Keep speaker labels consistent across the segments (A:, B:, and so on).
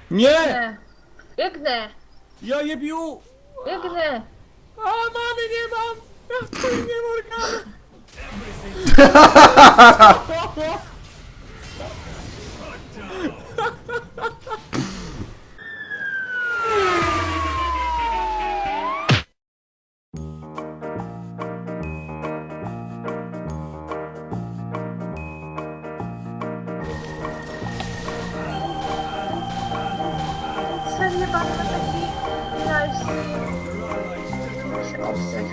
A: Nie!
B: Biegnę. Biegnę.
A: Ja jebiu!
B: Biegnę.
A: A mamy nie mam! Ja w chuj nie Morgana!
B: Serio, pan ma taki nice. Muszę ostać.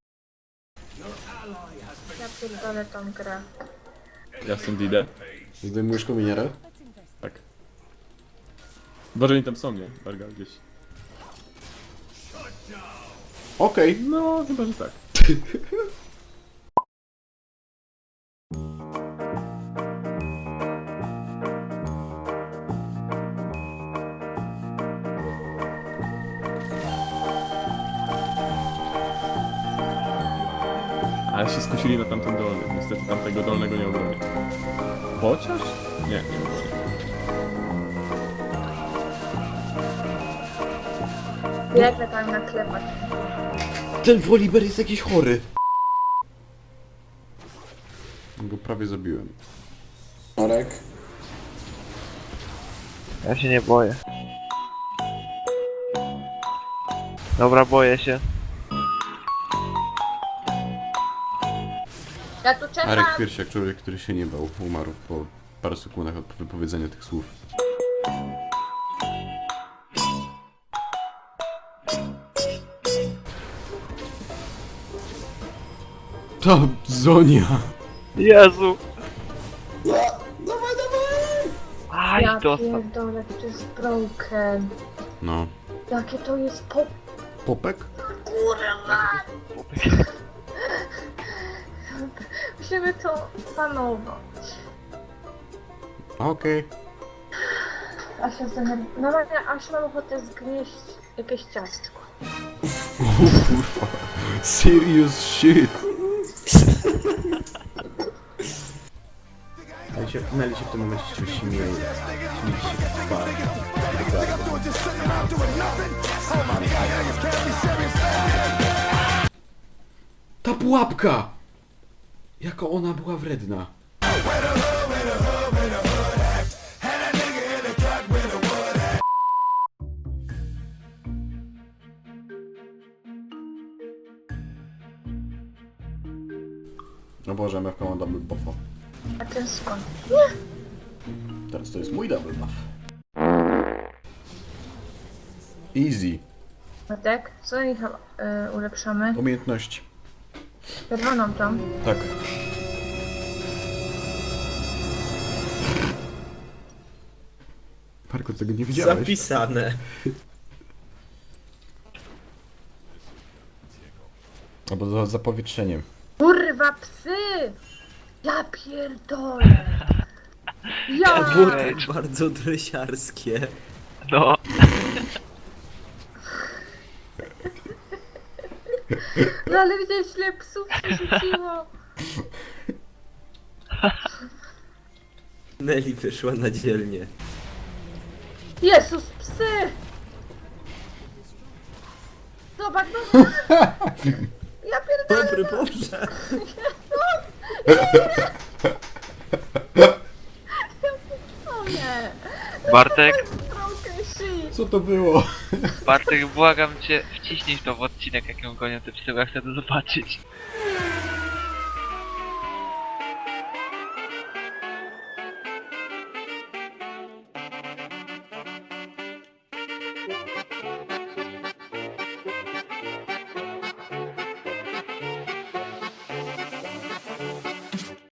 B: Ja pierdolę tą grę.
A: Ja stąd idę.
C: Zdejmujesz kominiarę?
A: Tak. Boże, oni tam są, nie? Barga gdzieś.
C: Okej.
A: No, chyba, że tak. Ale się skusili na tamten dolny. Niestety tamtego dolnego nie obronię. Chociaż? Nie, nie obronię.
B: Biegnę tam na klepać.
C: Ten Woliber jest jakiś chory. Go prawie zabiłem. Marek?
D: Ja się nie boję. Dobra, boję się.
B: Ja tu czekam.
C: Marek Piersiak, człowiek, który się nie bał, umarł po paru sekundach od wypowiedzenia tych słów. Ta Zonia!
D: Jezu!
C: Dawaj, dawaj!
D: Aj,
B: Ja
D: dostał.
B: pierdolę, to jest broken.
C: No.
B: Jakie to jest pop...
C: Popek?
B: Kurwa! Musimy to panować.
C: Okej.
B: Asia zdenerwowała. Normalnie Asia mam ochotę zgnieść jakieś ciastko.
C: Kurwa. Serious shit. Neli się w tym momencie czymś śmieje. Śmieje się dwa. Ta pułapka! Jaka ona była wredna. No Boże, MFK ma double buffa.
B: A ten skąd?
C: Teraz to jest mój double buff. Easy.
B: Matek, co ich ulepszamy?
C: Umiejętności.
B: Czerwoną tą.
C: Tak. Marko, tego nie widziałeś?
E: Zapisane.
C: Albo za zapowietrzeniem.
B: Kurwa psy! Ja pierdolę! Ja!
E: Buty bardzo dresiarskie.
D: No.
B: No ale widziałeś ile psów się rzuciło?
E: Nelly wyszła na dzielnię.
B: Jezus, psy! Zobacz, no! Ja pierdolę!
E: Dobry Boże!
B: O nie!
D: Bartek,
B: Broken shit!
C: Co to było?
D: Bartek, błagam cię, wciśnij to w odcinek, jak ją gonią te psy, bo ja chcę to zobaczyć.